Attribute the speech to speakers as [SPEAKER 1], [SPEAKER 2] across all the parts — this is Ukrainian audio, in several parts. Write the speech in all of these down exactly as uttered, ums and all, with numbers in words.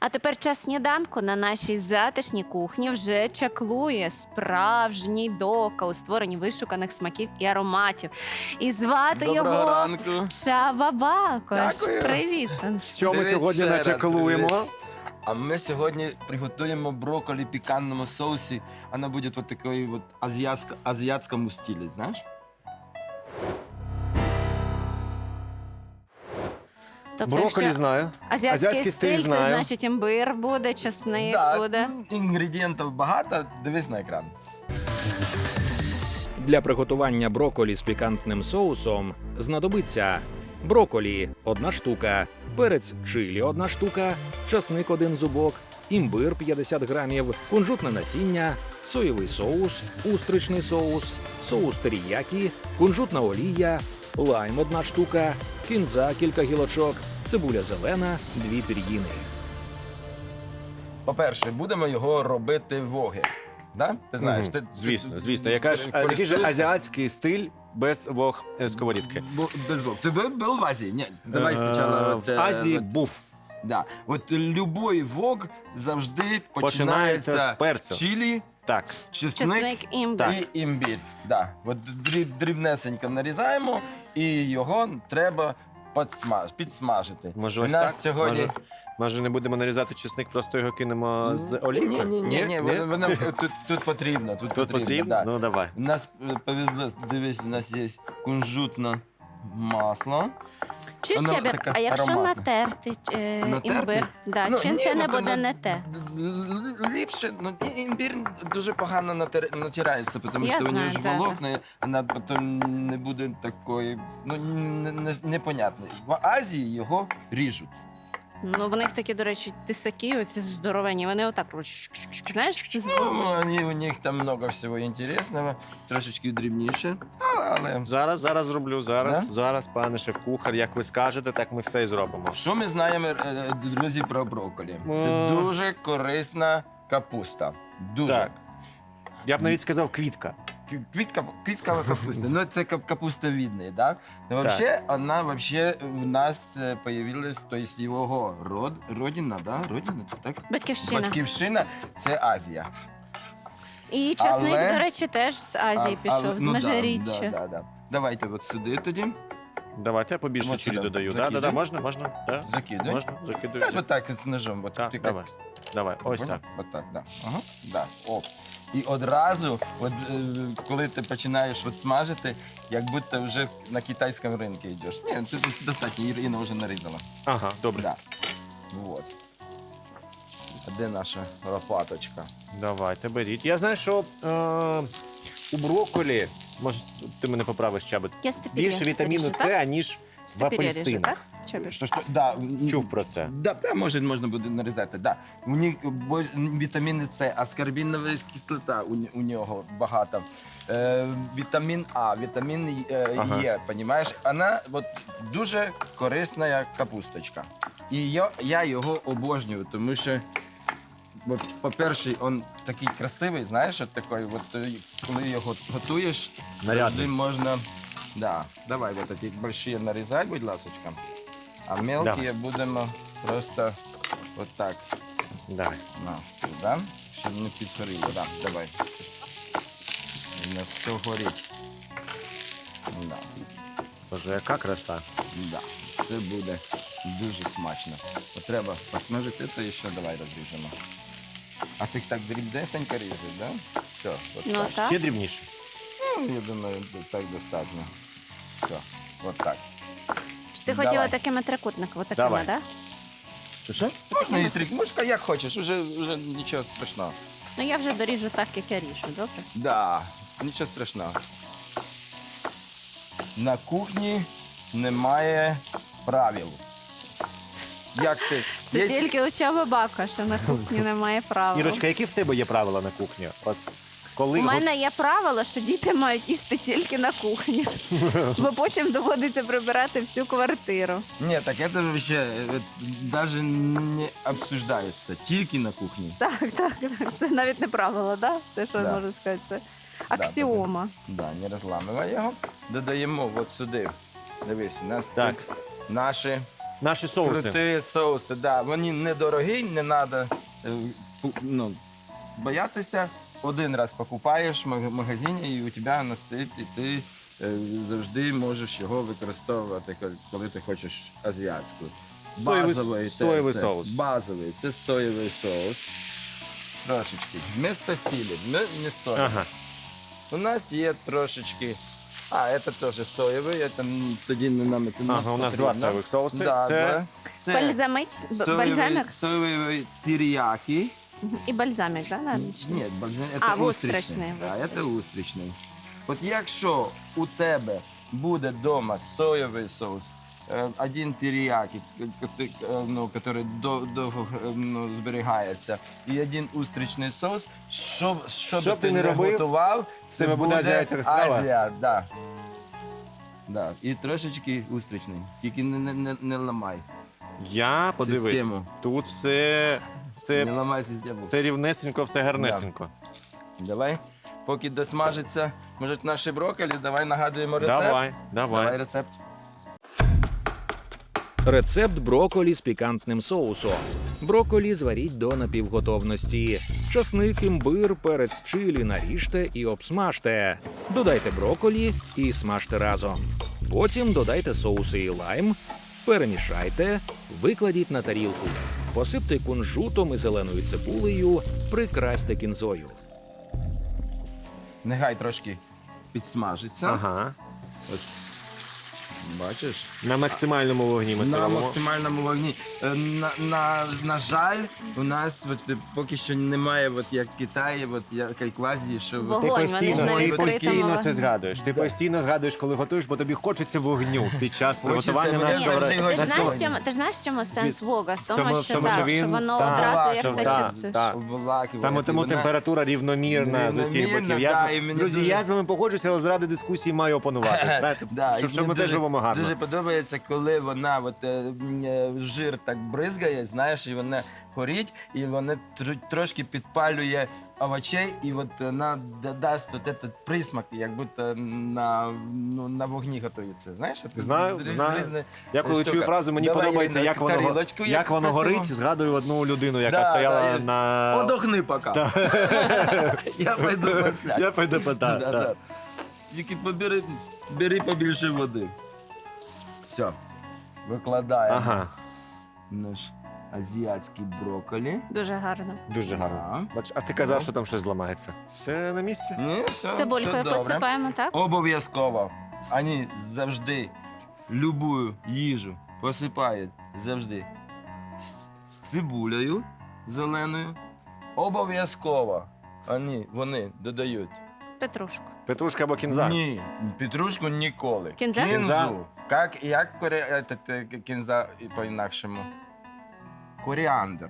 [SPEAKER 1] А тепер час сніданку на нашій затишній кухні вже чаклує справжній дока у створенні вишуканих смаків і ароматів. І звати
[SPEAKER 2] Доброго
[SPEAKER 1] його
[SPEAKER 2] ранку.
[SPEAKER 1] Чаба Бакош.
[SPEAKER 2] Дякую.
[SPEAKER 1] Привіт, Сан.
[SPEAKER 3] Що ми
[SPEAKER 2] Привіт
[SPEAKER 3] сьогодні
[SPEAKER 2] ще раз,
[SPEAKER 3] начаклуємо?
[SPEAKER 2] привіт. А ми сьогодні приготуємо брокколі в пікантному соусі. Вона буде в такій от азіатсько- азіатському стилі, знаєш?
[SPEAKER 1] Тобто,
[SPEAKER 3] Брокколі
[SPEAKER 1] якщо
[SPEAKER 3] знаю.
[SPEAKER 1] азіатський,
[SPEAKER 3] азіатський
[SPEAKER 1] стиль,
[SPEAKER 3] стиль
[SPEAKER 1] це
[SPEAKER 3] знаю.
[SPEAKER 1] значить імбир буде, чесник
[SPEAKER 2] Да,
[SPEAKER 1] буде.
[SPEAKER 2] інгредієнтів багато, дивись на екран.
[SPEAKER 4] Для приготування брокколі з пікантним соусом знадобиться брокколі – одна штука, перець чилі – одна штука, часник – один зубок, імбир – п'ятдесят грамів, кунжутне насіння, соєвий соус, устричний соус, соус теріякі, кунжутна олія, лайм – одна штука, кінза – кілька гілочок, цибуля зелена – дві пір'їни.
[SPEAKER 2] По-перше, будемо його робити воги. Да? Ти знаєш,
[SPEAKER 3] Мгм.
[SPEAKER 2] ти,
[SPEAKER 3] Звісно,
[SPEAKER 2] ти-
[SPEAKER 3] звісно. Яка ж, а який же
[SPEAKER 2] користуєшся?
[SPEAKER 3] азіатський стиль без вог е, сковорідки?
[SPEAKER 2] Бо- Без вог. Ти був був в Азії? Ні, давай
[SPEAKER 3] Е,
[SPEAKER 2] спочатку. от,
[SPEAKER 3] В
[SPEAKER 2] е,
[SPEAKER 3] Азії
[SPEAKER 2] от,
[SPEAKER 3] був.
[SPEAKER 2] да. От любой вог завжди
[SPEAKER 3] Починається
[SPEAKER 2] починається
[SPEAKER 3] з перцю.
[SPEAKER 2] чилі,
[SPEAKER 3] Так.
[SPEAKER 2] чесник,
[SPEAKER 1] Чесник, імбир.
[SPEAKER 2] і імбір. Да. От дріб- дрібнесенько нарізаємо, і його треба підсмаж, підсмажити.
[SPEAKER 3] Може
[SPEAKER 2] У
[SPEAKER 3] ось
[SPEAKER 2] нас
[SPEAKER 3] так?
[SPEAKER 2] сьогодні...
[SPEAKER 3] Може, може не будемо нарізати чесник, просто його кинемо з олійкою?
[SPEAKER 2] Ні, ні, ні, ні, воно- воно тут, тут потрібно. Тут,
[SPEAKER 3] Тут потрібно?
[SPEAKER 2] Да.
[SPEAKER 3] Ну, давай.
[SPEAKER 2] У нас е, повезло, дивись, у нас є кунжутне масло.
[SPEAKER 1] Чи
[SPEAKER 2] Вона
[SPEAKER 1] ще,
[SPEAKER 2] така
[SPEAKER 1] а якщо
[SPEAKER 2] ароматна.
[SPEAKER 1] натерти е,
[SPEAKER 2] Натерти?
[SPEAKER 1] імбир, да,
[SPEAKER 2] Ну,
[SPEAKER 1] чи
[SPEAKER 2] ні,
[SPEAKER 1] це не
[SPEAKER 2] ну, то
[SPEAKER 1] буде
[SPEAKER 2] на-
[SPEAKER 1] не те?
[SPEAKER 2] л- л- Ліпше, ну і- імбір дуже погано натир- натирається, тому
[SPEAKER 1] Я
[SPEAKER 2] що у
[SPEAKER 1] знаю,
[SPEAKER 2] нього ж
[SPEAKER 1] да,
[SPEAKER 2] волокна, вона потім не буде такої, ну, не, не, непонятної. В Азії його ріжуть.
[SPEAKER 1] Ну, в них такі, до речі, тисаки, оці здоровені, вони отак роблять. Щ-щ-щ. Знаєш, це
[SPEAKER 2] Ну, вони, у них там много всього інтересного, трошечки дрібніше, ну, але...
[SPEAKER 3] Зараз, зараз зроблю, зараз,
[SPEAKER 2] Да?
[SPEAKER 3] зараз, пане шеф-кухар, як ви скажете, так ми все і зробимо.
[SPEAKER 2] Що ми знаємо, е, друзі, про брокколі? Це
[SPEAKER 3] О.
[SPEAKER 2] дуже корисна капуста. Дуже.
[SPEAKER 3] Так. Я б навіть сказав квітка.
[SPEAKER 2] К- Квітка, квіткова капуста. Ну, це кап- капустовидний, да? Ну, вообще, вона вообще у нас е, появилась, то есть його род, родина, да? Родина, це так?
[SPEAKER 1] батьківщина.
[SPEAKER 2] Батьківщина – це Азія.
[SPEAKER 1] І часник,
[SPEAKER 2] Але-
[SPEAKER 1] до речі, теж з Азії
[SPEAKER 2] А-
[SPEAKER 1] пішов,
[SPEAKER 2] але-
[SPEAKER 1] з
[SPEAKER 2] ну, да,
[SPEAKER 1] Межиріччя.
[SPEAKER 2] Да, да, да. Давайте от сюди тоді.
[SPEAKER 3] Давайте я побільше
[SPEAKER 2] Вот
[SPEAKER 3] чилі
[SPEAKER 2] сюди.
[SPEAKER 3] додаю. Да,
[SPEAKER 2] Закидуй.
[SPEAKER 3] да, да, можна, можна. Да.
[SPEAKER 2] Закидуй.
[SPEAKER 3] Можна, закидую.
[SPEAKER 2] Так, от так, з ножом. От,
[SPEAKER 3] Так,
[SPEAKER 2] ти як-
[SPEAKER 3] давай. Давай, ось
[SPEAKER 2] Понял?
[SPEAKER 3] так.
[SPEAKER 2] От так, да. Ага, да. Оп. І одразу, от, е, коли ти починаєш от смажити, як будто вже на китайському ринку йдеш. Ні, це достатньо, Ірина вже нарізала.
[SPEAKER 3] Ага, добре.
[SPEAKER 2] Да. Вот. А де наша лопаточка?
[SPEAKER 3] Давайте, беріть. Я знаю, що е, у брокколі, може, ти мене поправиш, Чабет,
[SPEAKER 1] Я степірі
[SPEAKER 3] більше вітаміну
[SPEAKER 1] ріжу,
[SPEAKER 3] С,
[SPEAKER 1] так?
[SPEAKER 3] аніж в
[SPEAKER 1] Степірі ріжу,
[SPEAKER 3] апельсинах.
[SPEAKER 1] так? Чобі?
[SPEAKER 2] Що, що? Да.
[SPEAKER 3] Чув про це.
[SPEAKER 2] Да, да, може, можна буде нарізати. Да. У них бо- вітаміни С, аскорбінова кислота у, н- у нього багато. Е, вітамін А, вітамін е,
[SPEAKER 3] Ага.
[SPEAKER 2] Е, понімаєш? Вона от, дуже корисна капусточка. І я, я його обожнюю, тому що, от, по-перше, він такий красивий, знаєш, от такий, от, е, коли його готуєш,
[SPEAKER 3] Нарядний.
[SPEAKER 2] завжди можна. Да, давай вот эти большие нарізай, будь ласочка. А мелкі
[SPEAKER 3] Давай.
[SPEAKER 2] будемо просто вот так.
[SPEAKER 3] Давай.
[SPEAKER 2] На, туди, щоб не підгоріло. Да, давай. У нас все горить. Да,
[SPEAKER 3] Боже, яка краса.
[SPEAKER 2] да. Це буде дуже смачно. От треба посмажити, то ще давай розріжемо. А ти так дрібнесенько ріжеш, да? Все, от
[SPEAKER 1] Ну
[SPEAKER 2] так.
[SPEAKER 1] так.
[SPEAKER 3] Ще дрібніше.
[SPEAKER 2] Ну, я думаю, так достатньо. Все, от так.
[SPEAKER 1] Чи ти
[SPEAKER 2] Давай.
[SPEAKER 1] хотіла такими трикутниками, такими,
[SPEAKER 3] Давай.
[SPEAKER 1] так?
[SPEAKER 3] Що, що?
[SPEAKER 2] Можна і трик, можна як хочеш, уже, вже нічого страшного.
[SPEAKER 1] Ну я вже доріжу так, як я ріжу, добре?
[SPEAKER 2] Да, нічого страшного. На кухні немає правил. Як ти?
[SPEAKER 1] Це
[SPEAKER 2] Є-
[SPEAKER 1] тільки у Чаба Бакоша на кухні немає правил.
[SPEAKER 3] Ірочка, які в тебе є правила на кухні? От коли
[SPEAKER 1] У мене є правило, що діти мають їсти тільки на кухні, бо потім доводиться прибирати всю квартиру.
[SPEAKER 2] Ні, так це вообще навіть не обсуждається, тільки на кухні.
[SPEAKER 1] Так, так, так. Це навіть не правило, да? Це що
[SPEAKER 2] Да.
[SPEAKER 1] можу сказати? Це
[SPEAKER 2] Да,
[SPEAKER 1] аксіома.
[SPEAKER 2] Да, не розламуємо його. Додаємо от сюди. Дивись, у нас
[SPEAKER 3] Так.
[SPEAKER 2] тут наші
[SPEAKER 3] Наші соуси.
[SPEAKER 2] Круті соуси, да. Вони недорогі, не треба ну, боятися. Один раз покупаєш в маг- магазині, і у тебе на стоїть, і ти е, завжди можеш його використовувати, коли- коли ти хочеш азіатську.
[SPEAKER 3] Соєвий-
[SPEAKER 2] Базовий, те-
[SPEAKER 3] соєвий
[SPEAKER 2] це,
[SPEAKER 3] соус.
[SPEAKER 2] Базовий, це соєвий соус. Трошечки. Вместо сілі, не, не солі.
[SPEAKER 3] Ага.
[SPEAKER 2] У нас є трошечки. А, це теж соєвий, це м, тоді не нам це не
[SPEAKER 3] Ага, у нас два
[SPEAKER 2] потрібно.
[SPEAKER 3] соєвих соуси.
[SPEAKER 2] Да,
[SPEAKER 3] Це
[SPEAKER 2] да. Це
[SPEAKER 1] Бальзамич, б-
[SPEAKER 2] соєвий,
[SPEAKER 1] бальзамик
[SPEAKER 2] соєвий тіріякі.
[SPEAKER 1] Мгм. і бальзамик, да? на ніч?
[SPEAKER 2] Ні, бальзам, це
[SPEAKER 1] А,
[SPEAKER 2] устричний.
[SPEAKER 1] устричний,
[SPEAKER 2] Да, це устричний. От якщо у тебе буде вдома соєвий соус, е, один тіріякі, ну, який до- довго е, ну, зберігається, і один устричний соус, що, що,
[SPEAKER 3] Що
[SPEAKER 2] би
[SPEAKER 3] б ти
[SPEAKER 2] ти
[SPEAKER 3] не
[SPEAKER 2] не
[SPEAKER 3] робив,
[SPEAKER 2] готував,
[SPEAKER 3] це
[SPEAKER 2] це
[SPEAKER 3] буде
[SPEAKER 2] буде
[SPEAKER 3] азіатська страва.
[SPEAKER 2] Азія, да. Да. І трошечки устричний. Тільки не, не, не, не ламай
[SPEAKER 3] я подивись.
[SPEAKER 2] систему.
[SPEAKER 3] Тут все, все,
[SPEAKER 2] Не ламай систему.
[SPEAKER 3] все рівнесенько, все гарнесенько.
[SPEAKER 2] Давай, поки досмажиться, може, наші брокколі, давай нагадуємо рецепт.
[SPEAKER 3] Давай,
[SPEAKER 2] Давай
[SPEAKER 3] давай.
[SPEAKER 2] рецепт.
[SPEAKER 4] Рецепт брокколі з пікантним соусом. Брокколі зваріть до напівготовності. Часник, імбир, перець чилі наріжте і обсмажте. Додайте брокколі і смажте разом. Потім додайте соуси і лайм, перемішайте, викладіть на тарілку. Посипте кунжутом і зеленою цибулею, прикрасьте кінзою.
[SPEAKER 2] Нехай трошки підсмажиться.
[SPEAKER 3] Ага.
[SPEAKER 2] От. Бачиш?
[SPEAKER 3] На максимальному вогні ми це
[SPEAKER 2] На
[SPEAKER 3] робимо.
[SPEAKER 2] максимальному вогні. Е, На, на, на жаль, у нас от, е, поки що немає, от, як в Китаї, от, як як в Азії, що от,
[SPEAKER 1] Вогонь,
[SPEAKER 3] Ти
[SPEAKER 1] вони ж
[SPEAKER 3] постійно,
[SPEAKER 1] на
[SPEAKER 3] ти
[SPEAKER 1] відкритому
[SPEAKER 3] постійно
[SPEAKER 1] вогні.
[SPEAKER 3] це згадуєш. Ти
[SPEAKER 2] Да.
[SPEAKER 3] постійно згадуєш, коли готуєш, бо тобі хочеться вогню під час
[SPEAKER 2] Хочеться
[SPEAKER 3] приготування
[SPEAKER 2] вогню.
[SPEAKER 1] Ні,
[SPEAKER 3] нашого
[SPEAKER 2] завжди
[SPEAKER 1] ти,
[SPEAKER 2] його
[SPEAKER 1] ти, ж
[SPEAKER 2] на
[SPEAKER 1] знаєш,
[SPEAKER 2] сьогодні.
[SPEAKER 1] чому, ти ж знаєш, в чому сенс вога? В тому,
[SPEAKER 3] Тому-
[SPEAKER 1] що,
[SPEAKER 3] тому
[SPEAKER 1] так,
[SPEAKER 3] що він-
[SPEAKER 1] що воно
[SPEAKER 3] так,
[SPEAKER 1] одразу
[SPEAKER 3] що-
[SPEAKER 1] як
[SPEAKER 3] так,
[SPEAKER 1] таке.
[SPEAKER 3] так.
[SPEAKER 2] обволакувати.
[SPEAKER 3] Саме тому
[SPEAKER 2] Вона-
[SPEAKER 3] температура рівномірна з усіх
[SPEAKER 2] Рівномірна,
[SPEAKER 3] боків. Я,
[SPEAKER 2] да,
[SPEAKER 3] з-
[SPEAKER 2] і мені
[SPEAKER 3] друзі,
[SPEAKER 2] дуже-
[SPEAKER 3] я з вами погоджуся, але заради дискусії маю опанувати. Знаєте,
[SPEAKER 2] Да,
[SPEAKER 3] щоб,
[SPEAKER 2] і
[SPEAKER 3] щоб
[SPEAKER 2] мені
[SPEAKER 3] ми теж
[SPEAKER 2] дуже-
[SPEAKER 3] робимо гарно.
[SPEAKER 2] Дуже подобається, коли вона от, е, м, е, жир так бризгає, знаєш, і вона горить, і вона тр- трошки підпалює овочей, і от вона да- дасть от этот присмак, як будто на, ну, на вогні готується. Знаєш? Це
[SPEAKER 3] Знаю,
[SPEAKER 2] різ-
[SPEAKER 3] знаю.
[SPEAKER 2] різне-
[SPEAKER 3] Я коли
[SPEAKER 2] штука.
[SPEAKER 3] чую фразу, мені
[SPEAKER 2] Давай
[SPEAKER 3] подобається,
[SPEAKER 2] її на
[SPEAKER 3] як воно,
[SPEAKER 2] тарілочку,
[SPEAKER 3] як
[SPEAKER 2] як
[SPEAKER 3] воно
[SPEAKER 2] красиво.
[SPEAKER 3] горить. Згадую одну людину, яка
[SPEAKER 2] Да,
[SPEAKER 3] стояла
[SPEAKER 2] да, і-
[SPEAKER 3] на.
[SPEAKER 2] Подохни поки. Я пойду посплять.
[SPEAKER 3] Я пойду по- да,
[SPEAKER 2] Да,
[SPEAKER 3] да.
[SPEAKER 2] да. Тільки побери, бери побільше води. Все. Викладаємо
[SPEAKER 3] Ага,
[SPEAKER 2] наш азіатський брокколі.
[SPEAKER 1] Дуже гарно.
[SPEAKER 3] дуже гарно.
[SPEAKER 2] Да.
[SPEAKER 3] Бач, а ти казав, що там щось зламається. Все на місці?
[SPEAKER 2] Ні, все, все
[SPEAKER 1] Цибулькою
[SPEAKER 2] добре.
[SPEAKER 1] посипаємо, так?
[SPEAKER 2] Обов'язково. Вони завжди любую їжу посипають завжди з, з цибулею зеленою. Обов'язково вони, вони додають.
[SPEAKER 1] Петрушку.
[SPEAKER 3] Петрушка або кінза?
[SPEAKER 2] Ні, петрушку ніколи.
[SPEAKER 1] Кінза?
[SPEAKER 2] Кінзу.
[SPEAKER 3] Кінза.
[SPEAKER 2] Як, як коре... этот, е, кінза і по-інакшому? Коріандр.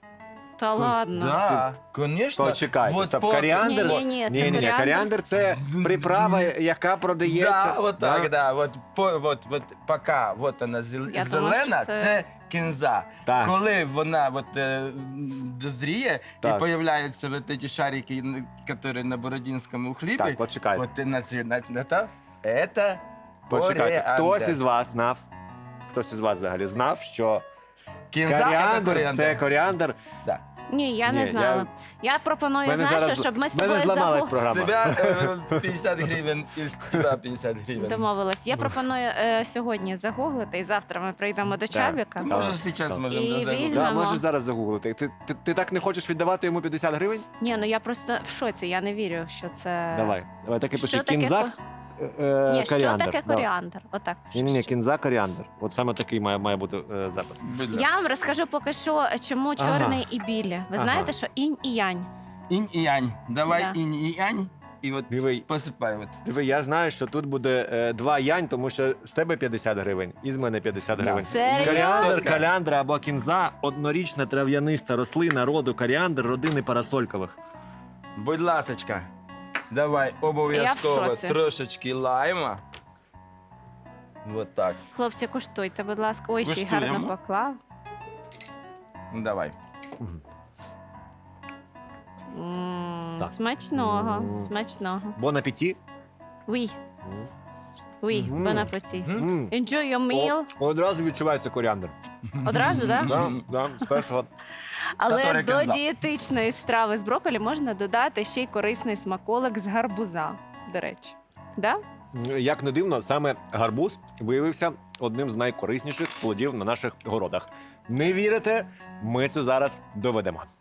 [SPEAKER 1] Та ладно.
[SPEAKER 2] Да, конечно.
[SPEAKER 3] Почекайте,
[SPEAKER 2] Вот
[SPEAKER 3] стоп,
[SPEAKER 2] по-
[SPEAKER 3] коріандр?
[SPEAKER 1] Ні-ні-ні, це
[SPEAKER 3] Ні, ні, ні,
[SPEAKER 1] коріандр.
[SPEAKER 3] коріандр це приправа, яка продається.
[SPEAKER 2] Да, вот так, да. Вот, по, вот, вот, пока вот вона зел-
[SPEAKER 1] Я думала,
[SPEAKER 2] зелена,
[SPEAKER 1] що це-
[SPEAKER 2] це кінза.
[SPEAKER 3] Так.
[SPEAKER 2] Коли вона от, е, дозріє
[SPEAKER 3] Так.
[SPEAKER 2] і появляються вот ці шарики, які на бородінському хлібі,
[SPEAKER 3] Так, почекайте.
[SPEAKER 2] от на ці, на, на то, это
[SPEAKER 3] Почекайте.
[SPEAKER 2] коріандр.
[SPEAKER 3] Хтось із вас знав, хтось із вас взагалі знав, що
[SPEAKER 2] Кінза, це
[SPEAKER 3] коріандр
[SPEAKER 2] коріандр.
[SPEAKER 3] це коріандр.
[SPEAKER 2] Да.
[SPEAKER 1] Ні, я
[SPEAKER 3] Ні,
[SPEAKER 1] не
[SPEAKER 3] я-
[SPEAKER 1] знала. Я, пропоную,
[SPEAKER 3] Мене
[SPEAKER 1] знаєш,
[SPEAKER 3] зараз-
[SPEAKER 1] щоб ми з
[SPEAKER 3] мене
[SPEAKER 1] тобою
[SPEAKER 3] зламалась
[SPEAKER 1] загу-
[SPEAKER 2] З
[SPEAKER 3] програма.
[SPEAKER 2] тебе е, п'ятдесят гривень і з тебе п'ятдесят гривень.
[SPEAKER 1] домовились. Я пропоную е, сьогодні загуглити, і завтра ми прийдемо до Чабіка.
[SPEAKER 2] Може,
[SPEAKER 3] Так,
[SPEAKER 2] зараз
[SPEAKER 3] так.
[SPEAKER 2] можемо
[SPEAKER 1] І
[SPEAKER 2] розглянути.
[SPEAKER 1] візьмемо.
[SPEAKER 3] Да, можеш зараз загуглити. Ти, ти, ти так не хочеш віддавати йому п'ятдесят гривень?
[SPEAKER 1] Ні, ну я просто в шоці, я не вірю, що це.
[SPEAKER 3] Давай, давай так і
[SPEAKER 1] Що
[SPEAKER 3] пиши.
[SPEAKER 1] таке
[SPEAKER 3] Кінза,
[SPEAKER 1] ко-
[SPEAKER 3] е, е,
[SPEAKER 1] Ні, що
[SPEAKER 3] коріандр.
[SPEAKER 1] таке
[SPEAKER 3] Давай.
[SPEAKER 1] коріандр? Отак.
[SPEAKER 3] Ні, ні, ні, кінза, коріандр. От саме такий має, має бути е, запит.
[SPEAKER 2] Будь ласка.
[SPEAKER 1] Я вам розкажу поки що, чому
[SPEAKER 3] Ага.
[SPEAKER 1] чорний і білі. Ви
[SPEAKER 3] Ага.
[SPEAKER 1] знаєте, що інь і янь.
[SPEAKER 2] Інь і янь. Давай
[SPEAKER 1] Да.
[SPEAKER 2] інь і янь. І от
[SPEAKER 3] Диви,
[SPEAKER 2] посипай. От.
[SPEAKER 3] диви, я знаю, що тут буде е, два янь, тому що з тебе п'ятдесят гривень, і з мене п'ятдесят
[SPEAKER 2] Да.
[SPEAKER 3] гривень.
[SPEAKER 1] Серйозно?
[SPEAKER 3] Коріандр,
[SPEAKER 2] Сотка.
[SPEAKER 3] каляндра або кінза – однорічна трав'яниста рослина роду коріандр родини парасолькових.
[SPEAKER 2] Будь ласочка, давай
[SPEAKER 1] Я в
[SPEAKER 2] обов'язково
[SPEAKER 1] шоці.
[SPEAKER 2] трошечки лайма. Вот так.
[SPEAKER 1] Хлопці, куштуйте, будь ласка. Ой, ще й
[SPEAKER 2] Куштуємо.
[SPEAKER 1] гарно поклав.
[SPEAKER 2] Давай.
[SPEAKER 1] М,
[SPEAKER 3] Так.
[SPEAKER 1] Смачного,
[SPEAKER 3] М.
[SPEAKER 1] смачного.
[SPEAKER 3] Бон апеті.
[SPEAKER 1] Уй. Oui,
[SPEAKER 3] Мгм.
[SPEAKER 1] bon appétit.
[SPEAKER 3] М.
[SPEAKER 1] Enjoy your meal.
[SPEAKER 3] О, одразу відчувається коріандр.
[SPEAKER 1] Одразу, так?
[SPEAKER 3] Да, да, з першого.
[SPEAKER 1] Але
[SPEAKER 2] Который
[SPEAKER 1] до
[SPEAKER 2] казав.
[SPEAKER 1] дієтичної страви з брокколі можна додати ще й корисний смаколик з гарбуза, до речі. Да?
[SPEAKER 3] Як не дивно, саме гарбуз виявився одним з найкорисніших плодів на наших городах. Не вірите? Ми це зараз доведемо.